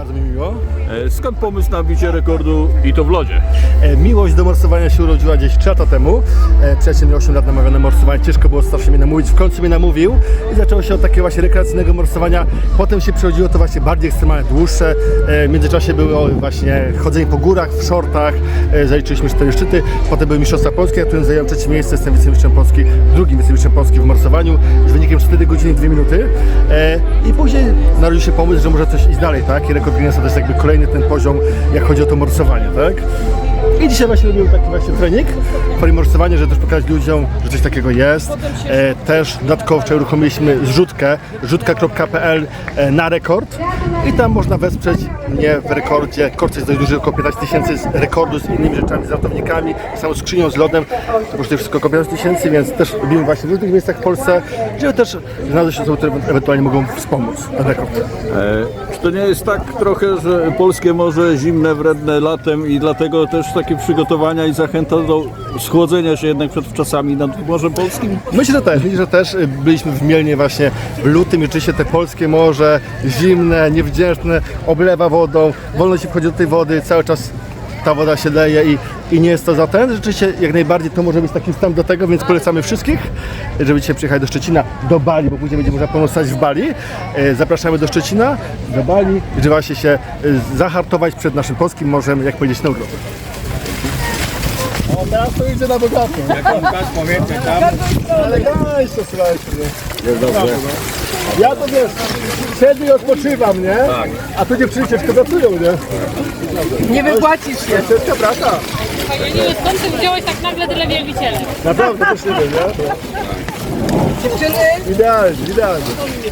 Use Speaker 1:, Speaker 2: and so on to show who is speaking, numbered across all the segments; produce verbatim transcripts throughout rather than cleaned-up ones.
Speaker 1: bardzo mi miło.
Speaker 2: E, skąd pomysł na bicie rekordu i to w lodzie?
Speaker 1: E, miłość do morsowania się urodziła gdzieś trzy lata temu. E, Przyjaciel miał osiem lat namawiał na morsowanie, ciężko było strasznie mnie namówić, w końcu mnie namówił i zaczęło się od takiego właśnie rekreacyjnego morsowania. Potem się przechodziło to właśnie bardziej ekstremalne, dłuższe. E, w międzyczasie było właśnie chodzenie po górach, w shortach, e, zaliczyliśmy cztery szczyty. Potem były Mistrzostwa Polskie, ja którym zająłem trzecie miejsce, jestem wicemistrzem Polski, drugim wicemistrzem Polski w morsowaniu z wynikiem cztery godziny dwie minuty. E, I później narodził się pomysł, że może coś iść dalej, tak? I rekord Guinnessa to jest jakby kolejny ten poziom, jak chodzi o to morsowanie, tak? I dzisiaj właśnie robimy taki właśnie trening, morsowanie, żeby też pokazać ludziom, że coś takiego jest. E, też dodatkowo wczoraj uruchomiliśmy zrzutkę, rzutka kropka p l e, na rekord i tam można wesprzeć mnie w rekordzie. Rekord jest dość duży, około piętnaście tysięcy z rekordu z innymi rzeczami, z ratownikami, z samą skrzynią, z lodem. To kosztuje wszystko około piętnaście tysięcy, więc też robimy właśnie w różnych miejscach w Polsce, żeby też znaleźć osoby, które ewentualnie mogą wspomóc ten rekord.
Speaker 2: E, czy to nie jest tak trochę, że polskie morze zimne, wredne latem i dlatego też takie przygotowania i zachęta do schłodzenia się jednak przed wczasami nad Morzem Polskim?
Speaker 1: Myślę, że też. Myślę, że też byliśmy w Mielnie właśnie w lutym i rzeczywiście te polskie morze zimne, niewdzięczne, oblewa wodą, wolno się wchodzi do tej wody, cały czas ta woda się leje i, i nie jest to za ten. Rzeczywiście jak najbardziej to może być taki wstęp do tego, więc polecamy wszystkich, żeby dzisiaj przyjechać do Szczecina, do Bali, bo później będzie można pomóc w Bali. E, Zapraszamy do Szczecina, do Bali, żeby właśnie się e, zahartować przed naszym polskim morzem, jak powiedzieć, na urlop. O, teraz to idzie na bogato.
Speaker 3: Jak on tak powiecie tam?
Speaker 1: Elegancko, słuchajcie, nie? Jest dobrze. Ja to wiesz, siedzę i odpoczywam, nie? Tak. A tu dziewczyny ciężko pracują, nie?
Speaker 4: Nie wypłacisz się.
Speaker 1: Ciężka praca.
Speaker 5: Panie, skąd ty wziąłeś tak nagle tyle wielbicieli?
Speaker 1: Naprawdę też nie wiem, nie?
Speaker 4: Dziewczyny,
Speaker 1: Idealnie, idealnie.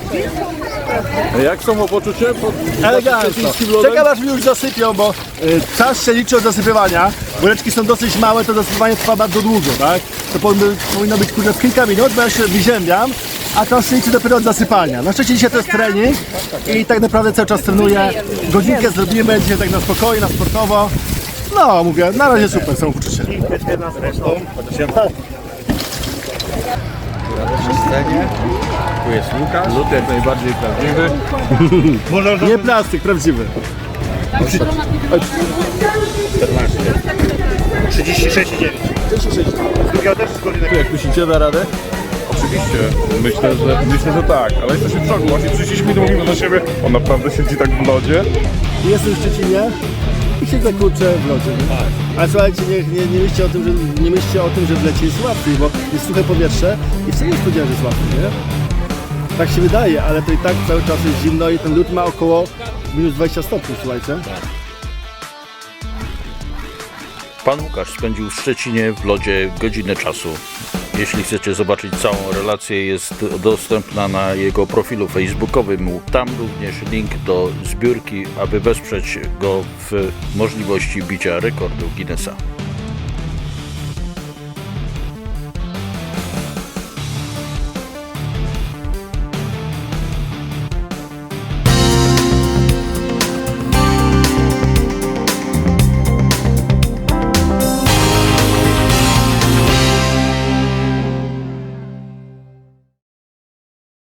Speaker 2: Jak samopoczucie? Pod
Speaker 1: Elegancko.
Speaker 2: szczecińskim lodem?
Speaker 1: Czekam aż mi już zasypią, bo y, czas się liczy od zasypywania. Woreczki są dosyć małe, to zasypywanie trwa bardzo długo, tak? To powinno, powinno być kurde w kilka minut, bo ja się wyziębiam, a czas się liczy dopiero od zasypania. Na szczęście dzisiaj to jest trening i tak naprawdę cały czas trenuję. Godzinkę zrobimy, dzisiaj tak na spokojnie, na sportowo. No, mówię, na razie super samopoczucie.
Speaker 3: Tu jest Łukasz.
Speaker 2: Lód jak najbardziej prawdziwy.
Speaker 1: Nie plastik, prawdziwy.
Speaker 3: trzydzieści sześć i dziewięć. Drugiego też z godziny.
Speaker 2: Jak myślicie, da radę?
Speaker 6: Oczywiście, myślę, że myślę, że tak, ale jesteśmy w szoku. Właśnie przyszliśmy i mówimy do siebie, on naprawdę siedzi tak w lodzie.
Speaker 1: Jestem w Szczecinie i się zakurczę w lodzie. Nie? Ale słuchajcie, nie, nie, nie, myślcie o tym, że, nie myślcie o tym, że w lecie jest łatwiej, bo jest suche powietrze i wcale nie spodziewałem, że jest łatwiej, nie? Tak się wydaje, ale to i tak cały czas jest zimno i ten lód ma około minus dwadzieścia stopni, słuchajcie.
Speaker 7: Pan Łukasz spędził w Szczecinie w lodzie godzinę czasu. Jeśli chcecie zobaczyć całą relację, jest dostępna na jego profilu facebookowym. Tam również link do zbiórki, aby wesprzeć go w możliwości bicia rekordu Guinnessa.